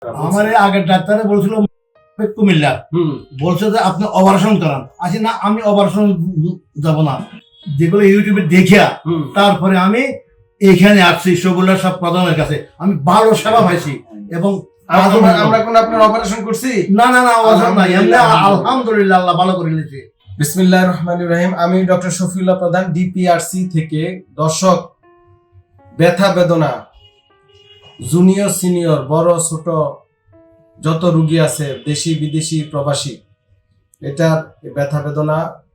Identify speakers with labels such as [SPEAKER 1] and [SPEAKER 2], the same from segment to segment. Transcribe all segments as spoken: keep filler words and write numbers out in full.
[SPEAKER 1] আমার এই আগের ডাক্তারে বলছিল কুমিল্লা, বলছে যে আপনি অপারেশন করান। আসি না, আমি অপারেশন যাব না, যেগুলো ইউটিউবে দেখিয়া তারপরে আমি এখানে আসছি সবুল্লাহ সব প্রধানের কাছে। আমি ভালো সেবা পাইছি এবং
[SPEAKER 2] আমরা কোন আপনার অপারেশন করছি
[SPEAKER 1] না না না অপারেশন না, এমনি আলহামদুলিল্লাহ আল্লাহ ভালো করে নিয়েছে।
[SPEAKER 2] বিসমিল্লাহির রহমানির রহিম। আমি ডক্টর শফিউল্লাহ প্রধান, ডিপিআরসি থেকে। দর্শক, ব্যথা বেদনা জুনিয়র সিনিয়র বড় ছোট যত রোগী আছে, দেশি বিদেশি প্রবাসী, এটার ব্যথা বেদনা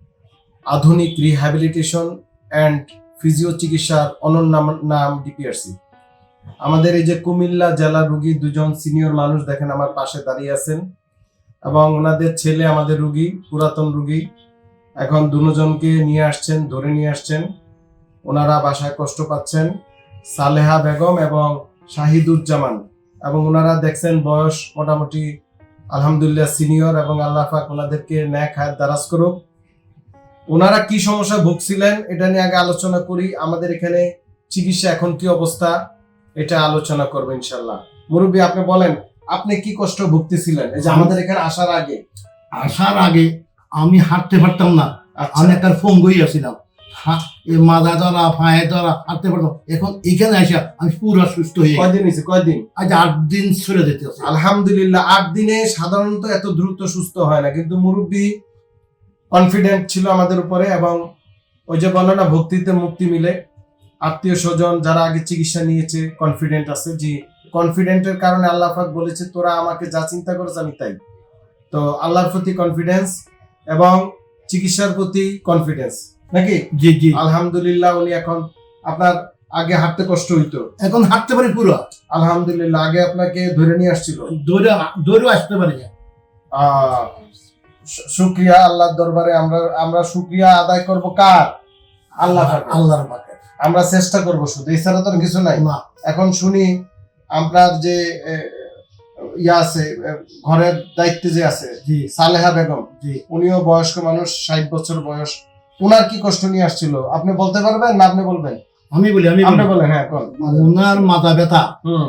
[SPEAKER 2] আধুনিক রিহ্যাবিলিটেশন অ্যান্ড ফিজিও চিকিৎসার অনন্য নাম ডিপিআরসি। আমাদের এই যে কুমিল্লা জেলার রোগী দুজন সিনিয়র মানুষ দেখেন আমার পাশে দাঁড়িয়ে আছেন, এবং ওনাদের ছেলে আমাদের রোগী, পুরাতন রোগী। এখন দুজনকে নিয়ে আসছেন, ধরে নিয়ে আসছেন। ওনারা বাসায় কষ্ট পাচ্ছেন, সালেহা বেগম এবং শাহিদুজ্জামান। এবং ওনারা দেখছেন বয়স মোটামুটি আলহামদুলিল্লাহ সিনিয়র, এবং আল্লাহ পাক ওনাদেরকে ন্যাক হায়াত দারাজ করুক। ওনারা কি সমস্যা ভুগছিলেন এটা নিয়ে আগে আলোচনা করি। আমাদের এখানে চিকিৎসা এখন কি অবস্থা এটা আলোচনা করবো ইনশাল্লাহ। মুরব্বী, আপনি বলেন আপনি কি কষ্ট ভুগতেছিলেন এই যে আমাদের এখানে আসার আগে?
[SPEAKER 1] আসার আগে আমি হাঁটতে পারতাম না, আমি একটা ফোন গই আসছিলাম, মাথা ধরা পায়ে ধরা হাঁটতে পারতাম। এখন এখানে আসা আমি পুরো সুস্থ হয়ে।
[SPEAKER 2] কয়দিন হয়েছে? কয়দিন?
[SPEAKER 1] আজ আট দিন চলে যেতে।
[SPEAKER 2] আলহামদুলিল্লাহ। আট দিনে সাধারণত এত দ্রুত সুস্থ হয় না, কিন্তু মুরব্বী কনফিডেন্ট ছিল আমাদের উপরে, এবং ওই যে বলো না ভক্তিতে মুক্তি মিলে। আত্মীয় স্বজন যারা আগে চিকিৎসা নিয়েছে কনফিডেন্ট আছে, যে কনফিডেন্টের কারণে আল্লাহ পাক বলেছে তোরা আমাকে যা চিন্তা করেছ আমি তাই। তো আল্লাহর প্রতি কনফিডেন্স এবং চিকিৎসার প্রতি কনফিডেন্স নাকি?
[SPEAKER 1] জি জি
[SPEAKER 2] আলহামদুলিল্লাহ। উনি এখন আপনার আগে হাঁটতে কষ্ট হইতো,
[SPEAKER 1] এখন হাঁটতে পারি পুরো
[SPEAKER 2] আলহামদুলিল্লাহ। আগে আপনাকে ধরে নিয়ে আসছিল,
[SPEAKER 1] দৌড়ে দৌড়ে আসতে পারি।
[SPEAKER 2] আহ শুকরিয়া আল্লাহর দরবারে। আমরা আমরা শুকরিয়া আদায় করব কার? আল্লাহ
[SPEAKER 1] আল্লাহর পাকে।
[SPEAKER 2] আমরা চেষ্টা করব শুধু, এছাড়া তো কিছু নাই। এখন শুনি আপনার যে ইয়া আছে ঘরের দায়িত্বে যে আছে সালেহা বেগম, উনিও বয়স্ক মানুষ, ষাট বছর বয়স। উনার কি কষ্ট নিয়ে আসছিল আপনি বলতে পারবেন না? আপনি বলবেন?
[SPEAKER 1] আমি বলি আমি
[SPEAKER 2] আপনি বলেন। হ্যাঁ,
[SPEAKER 1] ওনার মাথা ব্যথা,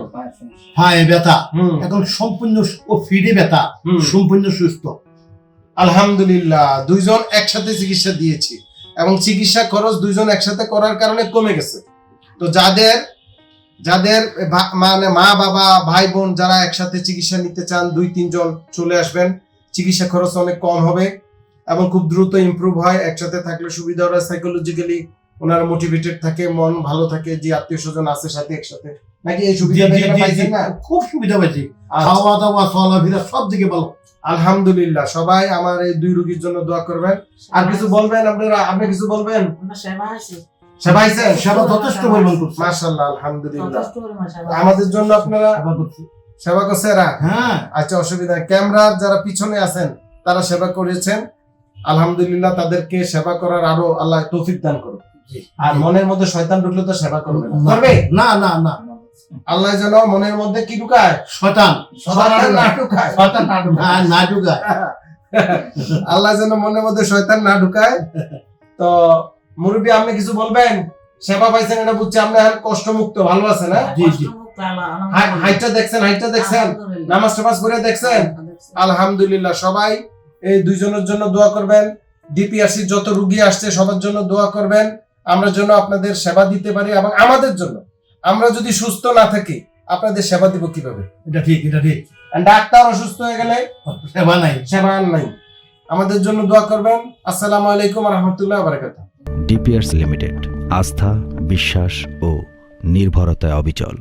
[SPEAKER 1] পায়ে ব্যথা, এখন সম্পূর্ণ ও ফিডে ব্যথা, সম্পূর্ণ সুস্থ
[SPEAKER 2] আলহামদুলিল্লাহ। দুইজন একসাথে চিকিৎসা দিয়েছি, এবং চিকিৎসা খরচ দুইজন একসাথে করার কারণে কমে গেছে। তো যাদের যাদের মানে মা বাবা ভাই বোন যারা একসাথে চিকিৎসা নিতে চান, দুই তিনজন চলে আসবেন, চিকিৎসা খরচ অনেক কম হবে এবং খুব দ্রুত ইমপ্রুভ হয়। একসাথে থাকলে সুবিধা হয়, সাইকোলজিক্যালি ওনারা মোটিভেটেড থাকে, মন ভালো থাকে, যে আত্মীয় স্বজন আছে সাথে একসাথে, নাকি? এই সুবিধা পাইছেন না?
[SPEAKER 1] খুব সুবিধা পাইছি, খাওয়া দাওয়া চলাফেরা সব দিকে ভালো
[SPEAKER 2] আলহামদুলিল্লাহ। সবাই আমার এই দুই রোগীর জন্য দোয়া করবেন। আর কিছু বলবেন আপনারা? আপনি কিছু বলবেন? সেবা হয়েছেন?
[SPEAKER 1] সেবা যথেষ্ট পরিমাণ করছে,
[SPEAKER 2] মাশাআল্লাহ, আলহামদুলিল্লাহ। আমাদের জন্য আপনারা সেবা করছেন?
[SPEAKER 1] হ্যাঁ,
[SPEAKER 2] আচ্ছা, অসুবিধা। ক্যামেরার যারা পিছনে আছেন তারা সেবা করেছেন, আলহামদুলিল্লাহ। তাদেরকে সেবা করার আরো আল্লাহ তৌফিক দান করুন। আর মনের মধ্যে শয়তান ঢুকলে তো সেবা করবে না,
[SPEAKER 1] না না না।
[SPEAKER 2] আল্লাহ যেন মনের মধ্যে কি ঢুকায়?
[SPEAKER 1] শয়তান
[SPEAKER 2] শয়তান না ঢুকায়, শয়তান না ঢুকায়,
[SPEAKER 1] না ঢুকায়।
[SPEAKER 2] আল্লাহ যেন মনের মধ্যে শয়তান না ঢুকায়। তো মুরব্বী, আপনি কিছু বলবেন? সেবা পাইছেন এটা বুঝছি, আপনি এখন কষ্ট মুক্ত, ভালো আছেন? জি জি। হাইটটা দেখছেন? হাইটটা দেখছেন? নামাজ টামাজ করে দেখছেন? আলহামদুলিল্লাহ। সবাই এই দুইজনের জন্য দোয়া করবেন। ডিপিআরসি যত রোগী আসছে সবার জন্য দোয়া করবেন, আমরা যেন আপনাদের সেবা দিতে পারি। এবং আমাদের জন্য, আমরা যদি সুস্থ না থাকি আপনাদের সেবা দিব কিভাবে?
[SPEAKER 1] এটা ঠিক, এটা ঠিক।
[SPEAKER 2] ডাক্তার অসুস্থ হয়ে গেলে
[SPEAKER 1] সেবা নাই,
[SPEAKER 2] সেবা নাই। আমাদের জন্য দোয়া করবেন। আসসালামু আলাইকুম ওয়া রাহমাতুল্লাহি ওয়া বারাকাতুহু।
[SPEAKER 3] ডিপিআরসি লিমিটেড, আস্থা, বিশ্বাস ও নির্ভরতায় অবিচল।